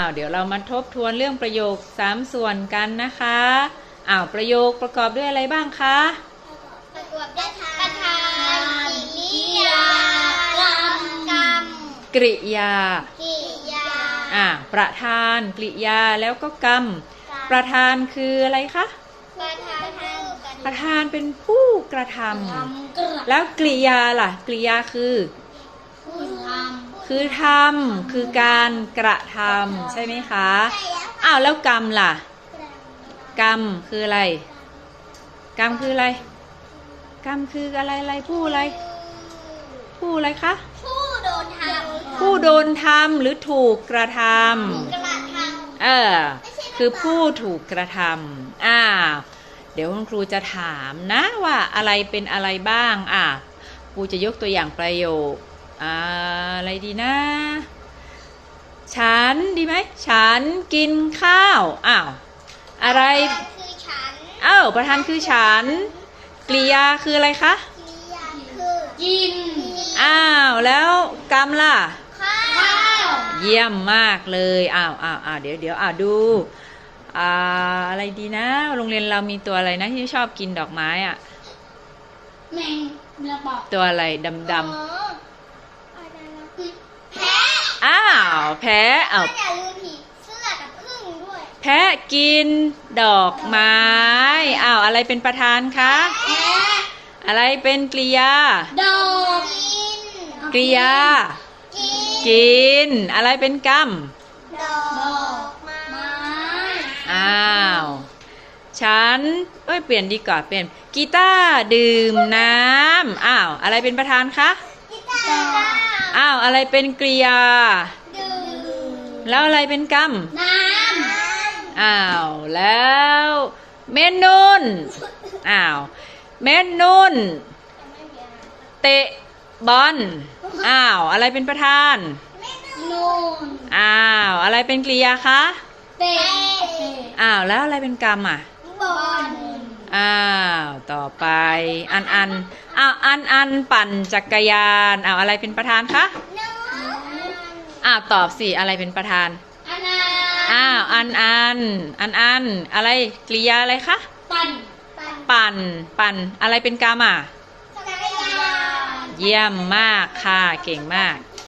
เดี๋ยวเรามาทบทวนเรื่องประโยค3ส่วนกันนะคะประโยคประกอบด้วยอะไรบ้างคะประกอบด้วยประธานกิริยากรรมกริยาประธานกริยาแล้วก็กรรมประธานคืออะไรคะประธานเป็นผู้กระทำแล้วกริยาล่ะกริยาคือทำคือการกระทำใช่ไหมคะแล้วกรรมล่ะกรรมคืออะไรกรรมคืออะไรกรรมคืออะไรผู้อะไรคะผู้โดนทำหรือถูกกระทำคือผู้ถูกกระทำเดี๋ยวคุณครูจะถามนะว่าอะไรเป็นอะไรบ้างครูจะยกตัวอย่างประโยคอะไรดีนะฉันดีไหมฉันกินข้าวอะไรประธานคือฉันกริยาคืออะไรคะกินแล้วกรรมล่ะข้าวเยี่ยมมากเลยเดี๋ยวดูอะไรดีนะโรงเรียนเรามีตัวอะไรนะที่ชอบกินดอกไม้แมงระบอกตัวอะไรดำแพะอย่าลืมผีเสื้อกับผึ้งด้วยแพะกินดอกไม้อะไรเป็นประธานคะอะไรเป็นกริยาดอกกริยากินอะไรเป็นกรรมดอกไม้ฉันเปลี่ยนดีกว่าเป็นกีตาร์ดื่มน้ำอะไรเป็นประธานคะกีตาร์อะไรเป็นกริยาดื่มแล้วอะไรเป็นกรรมน้ำแล้วเมนุนเมนุนเตะบอลอะไรเป็นประธานนูนอะไรเป็นกริยาคะเตะแล้วอะไรเป็นกรรมบอลต่อไปอันปั่นจักรยานอะไรเป็นประธานคะตอบสิอะไรเป็นประธานอันอะไรกริยาอะไรคะปั่นอะไรเป็นกรรมจักรยานเยี่ยมมากค่ะเก่งมาก